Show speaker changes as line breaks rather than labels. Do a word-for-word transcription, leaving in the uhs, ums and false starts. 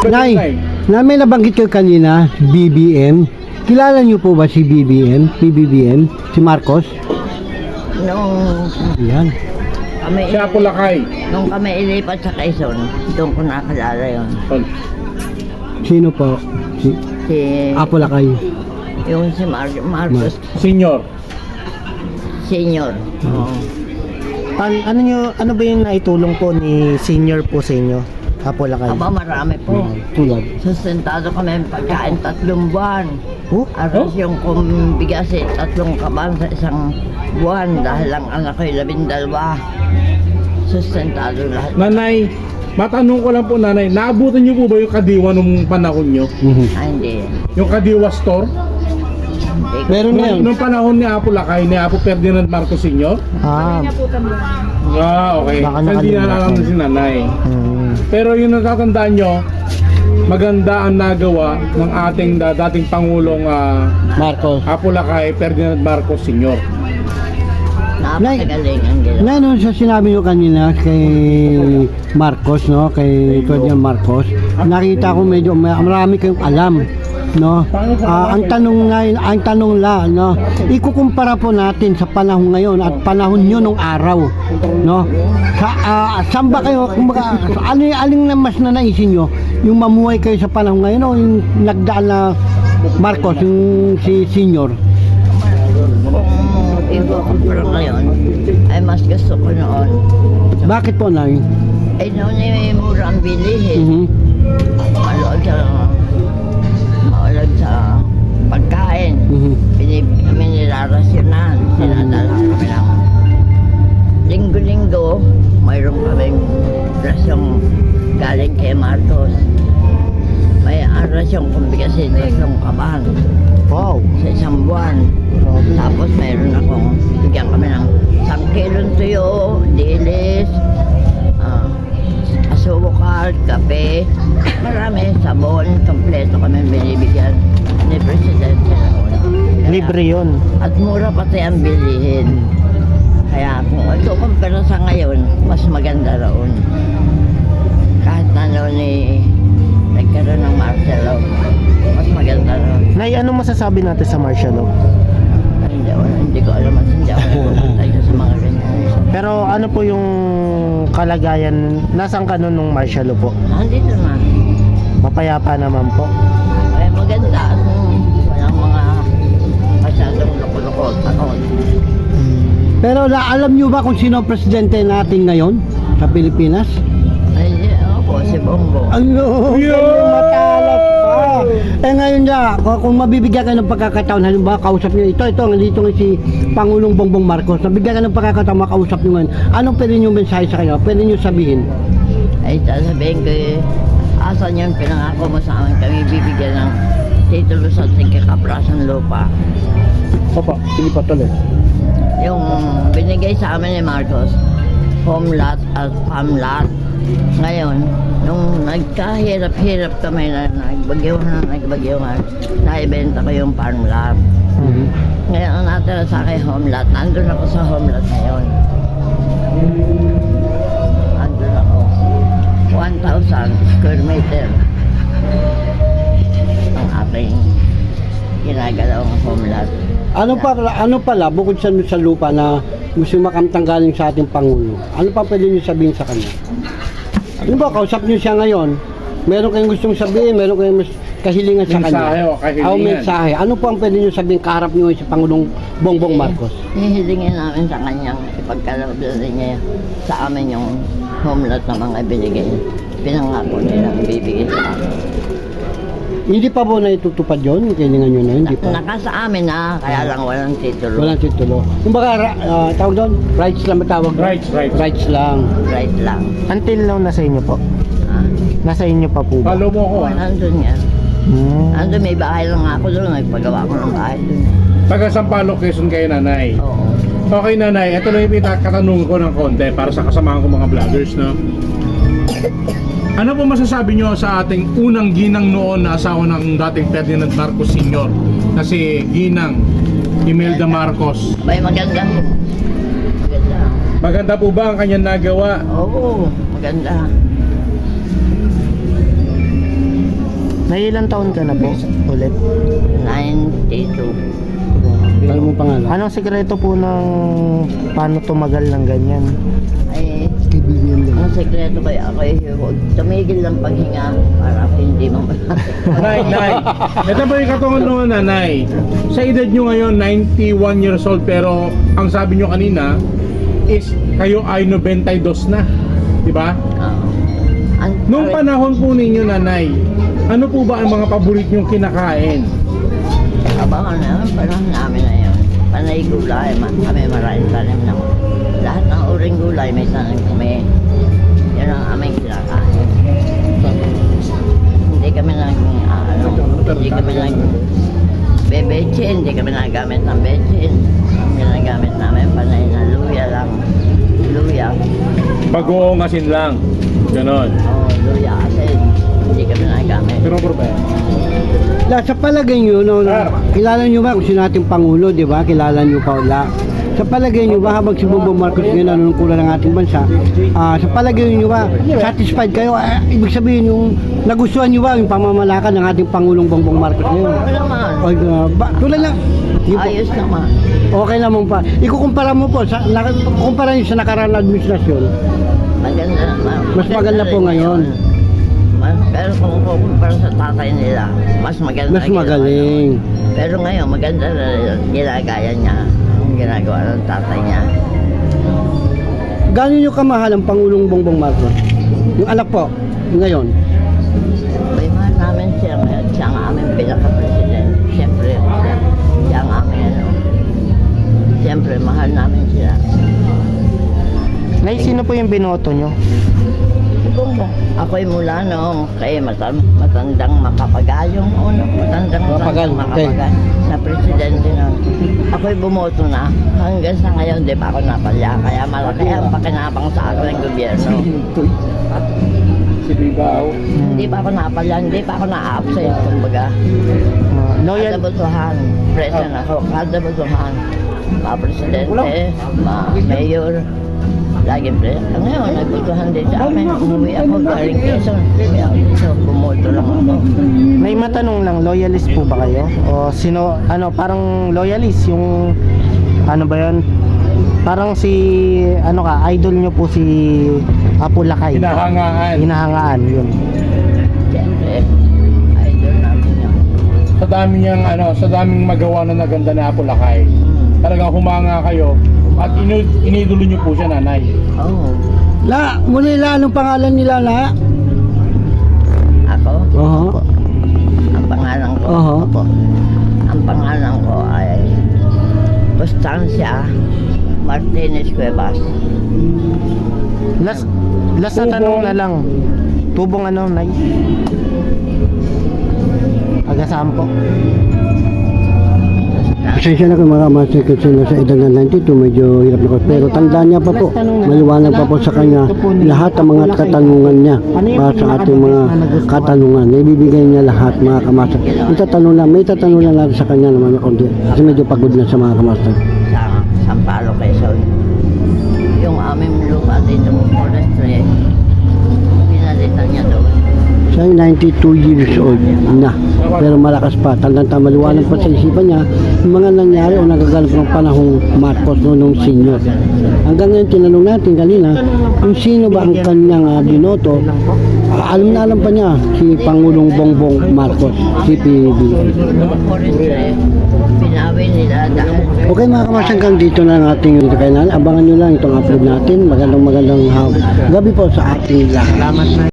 Nay, na may nabanggit kayo kanina, B B M. Kilala niyo po ba si B B M? P B B M? Si Marcos?
Nung
Yan.
kami,
Siya po lakay.
nung kami ilipat sa Quezon, doon ko nakalala yun.
Sino po? Si
Si,
Apo Lakay.
yung si Mar Marcos
Senior.
Senior. Oo.
Pan, ano nyo, ano ba yung naitulong po ni senior po sa inyo? Apo Lakay.
Aba, marami po.
Tulad.
Sustentado kami ng pagkain tatlong buwan.
Oh?
Aros yung kumbigas eh, tatlong kaban sa isang buwan dahil lang anak ko'y labindalwa. Sustentado lahat.
Nanay, matanong ko lang po nanay, naabutan niyo po ba yung Kadiwa nung panahon niyo?
Mhm.
Ah, hindi.
Yung Kadiwa store?
Hindi ko-
Meron na
Nung,
yun.
nung panahon ni Apo Lakay, ni Apo Ferdinand Marcos Senior?
Ah,
Ah, okay.
Baka
Hindi na
nakalimutan.
alam na si nanay.
hmm.
Pero yung natatandaan nyo, maganda ang nagawa ng ating da- dating Pangulong ah,
Marcos.
Apo Lakay, Ferdinand Marcos Senior.
Napakagaling ang gila.
Na ano sa sinabi nyo kanina kay Marcos, no? Kay Ferdinand Marcos, nakita ko medyo may- marami kayong alam, no? Ah, ang tanong nga, ang tanong la, no? Ikukumpara po natin sa panahon ngayon at panahon nyo nung araw, no? Sa ah, saan ba kayo, kumbaga, ano yung aling na mas nanaisin nyo? Yung mamuhay kayo sa panahon ngayon o yung nagdaan na Marcos, yung si Senior?
Kung ikukumpara ngayon, ay mas gusto ko noon.
Bakit po, Nay?
Ay noon ay mura ang bilihin.
Mhm.
Malood sa, malood sa pagkain.
Mhm.
Pinib kami nilarasyonan. Sinadala kami ng linggo-linggo. Mayroon kaming rasyong galing kay Marcos. May rasyong kumbigasin tatlong kaban
Wow.
sa isang buwan. Tapos mayroon akong bigyan kami ng isang kilong tuyo, dilis, ah, asukal, kape, marami, sabon, kompleto kami binibigyan ni Presidente noon. Kaya-
Libre yun.
At mura pati ang bilihin. Kaya kung ito kumpara sa ngayon, mas maganda roon. Kahit na noon eh, nagkaroon ng martial law, mas maganda roon.
Nay, ano masasabi natin sa martial law?
Ay, Hindi, ako- hindi ko alam at hindi ako pupunta sa mga ganyan.
Pero ano po yung kalagayan, nasang ka nun nung martial law po?
Nandito na.
Mapayapa naman po.
Ay, maganda. At mm, walang mga masyadong loko-loko. Takot.
Pero la, alam nyo ba kung sino ang presidente natin ngayon sa Pilipinas?
Ay, di, ako si Bongbong.
Ano? Matalas pa. Eh ngayon niya, kung mabibigyan kayo ng pagkakataon, halimbawa kausap niyo ito, ito, nandito nga si Pangulong Bongbong Marcos, nabigyan ka ng pagkakataon makausap niyo ngayon, anong pwede niyo mensahe sa kanya? Pwede niyo sabihin?
Ay, sasabihin ko eh, asan yung pinangako mo sa amin kami bibigyan ng titulo sa tingkakaprasan lupa.
Opo, sige pa tuloy.
Yung binigay sa amin ni Marcos, home lot at farm lot. Ngayon, nung nagkahirap-hirap kami na nagbagyuhan, nagbagyuhan, naibenta ko yung farm lot.
Mhm.
Ngayon, ang natira sa akin home lot, nandun ako sa home lot ngayon. Nandun ako. one thousand square meter. Ang aking ginagalawang home lot.
Ano pa ano pala bukod sa sa lupa na gusto makamtang galing sa ating pangulo? Ano pa pwede niyo sabihin sa kanya? Ano ba kausap niyo siya ngayon? Meron kayong gustong sabihin, meron kayong mas kahilingan sa kanya.
Mensahe o kahilingan.
Ah, mensahe. Ano pa ang pwede niyo sabihin kaharap niyo sa Pangulong Bongbong Marcos?
Hihilingin namin sa kanyang ipagkalablan niya sa amin yung home lot na mga binigay. Pinangako nila ibibigay sa amin.
Hindi pa po na itutupad yun? Kailangan nyo na, hindi pa.
Naka sa amin na, kaya lang walang titulo.
Walang titulo. Kung baka, uh, tawag doon, rights lang matawag doon?
Rights, rights.
Rights lang.
Right lang.
Until now, nasa inyo po?
Ha?
Nasa inyo pa po ba?
Follow mo ko
Oo,
ah.
nandun yan.
Hmm.
Nandun may bahay lang ako doon. Nagpagawa ko ng bahay doon.
Taga Sampaloc, Quezon kayo nanay.
Oo.
Okay nanay, ito lang yung pinakatanong ko ng konti para sa kasamahan ko mga vloggers, no? Ano po masasabi nyo sa ating unang ginang noon na asawa ng dating Ferdinand Marcos Senior na si Ginang Imelda Marcos?
Abay, maganda. Maganda.
Maganda po ba ang kanyang nagawa?
Oo, maganda.
May ilang taon ka na po ulit?
ninety-two.
Ano mo pangalan?
Anong sekreto po ng paano tumagal ng ganyan?
Ay,
Kaibigan lang.
ang sekreto kaya ako ay huwag tumigil ng paghinga para hindi mo
Nay, Nay, ito po yung katungan noon, Nanay. Sa edad nyo ngayon, ninety-one years old, pero ang sabi nyo kanina is kayo ay ninety-two na. Diba?
Oo. Ang-
Noong panahon po ninyo, Nanay, ano po ba ang mga paborit nyong kinakain?
Abangan na yun, panahon namin na yun. Panay gulay, ma- kami maraming tanim na. Lahat ng uring gulay may tanim kami. Yan ang aming kinakain. Hindi kami nag, ah, ano, hindi kami nag, bebechin, hindi kami nagamit ng bechin. Ang ginagamit namin panay na luya lang. Luya.
Bagoong asin lang. Ganon.
Oo, luya asin. Hindi kami nagamit.
Pero problema.
La, sa palagay nyo, no, kilala nyo ba kung sino ating Pangulo, di ba? Kilala nyo pa wala. Sa palagay nyo ba habang si Bongbong Marcos ngayon nanunungkulan ng ating bansa, ah, sa palagay nyo ba satisfied kayo? Ah, ibig sabihin yung nagustuhan nyo ba yung pamamalakad ng ating Pangulong Bongbong Marcos ngayon?
Oo naman.
Ay, uh, ba, tulad lang. Di po,
Ayos naman.
okay naman pa. Ikukumpara mo po, sa, na, kumpara nyo sa nakaraan na administrasyon.
Maganda naman.
Mas maganda po
rin
ngayon.
Mas, pero kung kukumpara sa tatay nila, mas maganda.
Mas
ginawa
magaling.
niya. Pero ngayon, maganda na rin ginagaya niya. Ang ginagawa ng tatay niya.
Gano'n nyo kamahal ang Pangulong Bongbong Marcos? Yung anak po, ngayon.
May mahal namin siya ngayon. Siya ang aming pinaka-president. Siyempre, siya, siya ang aming ano. Siyempre, mahal namin siya.
Nay, sino po yung binoto nyo?
Bongbong. Ako'y mula noong kay matan matandang makapagayong uno, matandang
Mapagal,
matandang
okay.
makapagal na presidente noon. Ako'y bumoto na. Hanggang sa ngayon, di pa ako napalya. Kaya malaki ang pakinabang sa akin ng gobyerno.
Si Bibaw.
Hindi pa ako napalya, hindi pa ako na-absent. Kumbaga,
Uh, loyal,
kada botohan, president ako, kada botohan. Ma-presidente, ma-mayor, laging president. Ngayon, nagbotohan din sa amin. Umuwi ako galing Quezon. Umuwi ako dito, bumoto lang ako.
may matanong lang, loyalist po ba kayo? O sino, ano, parang loyalist, yung, ano ba yun? Parang si, ano ka, idol nyo po si Apo Lakay.
Hinahangaan.
Hinahangaan, yun.
Siyempre, idol namin yun.
Sa dami niyang ano, sa daming magawa na naganda na Apo Lakay.
Hmm.
Talagang humanga kayo at inu inidulo niyo po siya, Nanay.
Oo.
La, muli la, anong pangalan nila la?
Ako,
Oho.
ang pangalan ko,
Oho.
ang pangalan ko ay Constancia Martinez Cuevas.
Last, last na tanong na lang. Tubong ano, Nay? Agasampo.
Pasensya na kung mga master kasi nasa edad na ninety-two, medyo hirap na ko. Pero tandaan niya pa po, maliwanag pa po sa kanya lahat ng mga katanungan niya para sa ating mga katanungan. Ibibigay niya lahat mga kamaster. Itatanong lang, may itatanong lang natin sa kanya naman konti. Kasi medyo pagod na sa mga kamaster.
Sa Sampalo, Quezon. Yung aming lupa dito mo forestry, pinalitan niya doon.
Siya ay ninety-two years old na. Pero malakas pa. Tandang-tanda, maliwanag pa sa isipan niya yung mga nangyari o nagaganap ng panahong Marcos no, nung senior. Hanggang ngayon, tinanong natin kanina, kung sino ba ang kanyang uh, binoto, uh, alam na alam pa niya, si Pangulong Bongbong Marcos, C P B.
Forestry, pinawi nila dahil
Okay mga kamas, hanggang dito na ang ating dito kay Nana. Abangan nyo lang itong upload natin. Magandang magandang uh, gabi po sa ating lahat.
Salamat na.